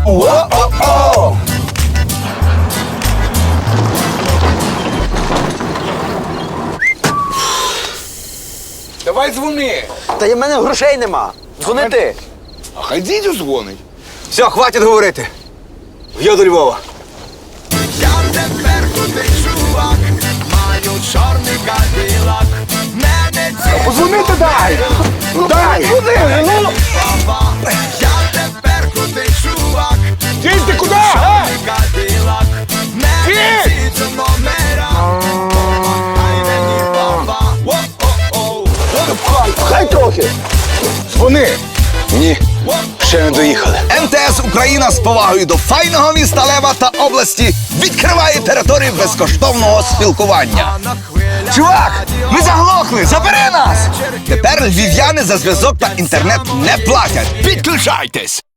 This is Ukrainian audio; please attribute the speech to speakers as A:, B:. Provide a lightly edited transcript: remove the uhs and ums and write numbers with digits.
A: О-о-о! Давай дзвони.
B: Та й в мене грошей нема. Дзвони ти.
A: А хай дідю дзвонить.
B: Все, хватить говорити. Я до Львова.
C: Я тепер крутий чувак, маю чорний кадилак. Мене
A: Позвонити дай! Ну дай! Куди? Ну!
C: папа. Я тепер крутий чувак,
A: Дідь, ти куди?
C: чорний кадилак. Мене
A: Дідь!
C: ці номера. Помагай мені, папа. О-о-о.
A: Хай трохи. Дзвони.
B: Ні, ще не доїхали.
D: МТС Україна з повагою до файного міста Лева та області відкриває територію безкоштовного спілкування.
C: На хвилях
D: Чувак, ми заглохли, забери нас! Тепер львів'яни за зв'язок та інтернет не платять. Підключайтесь!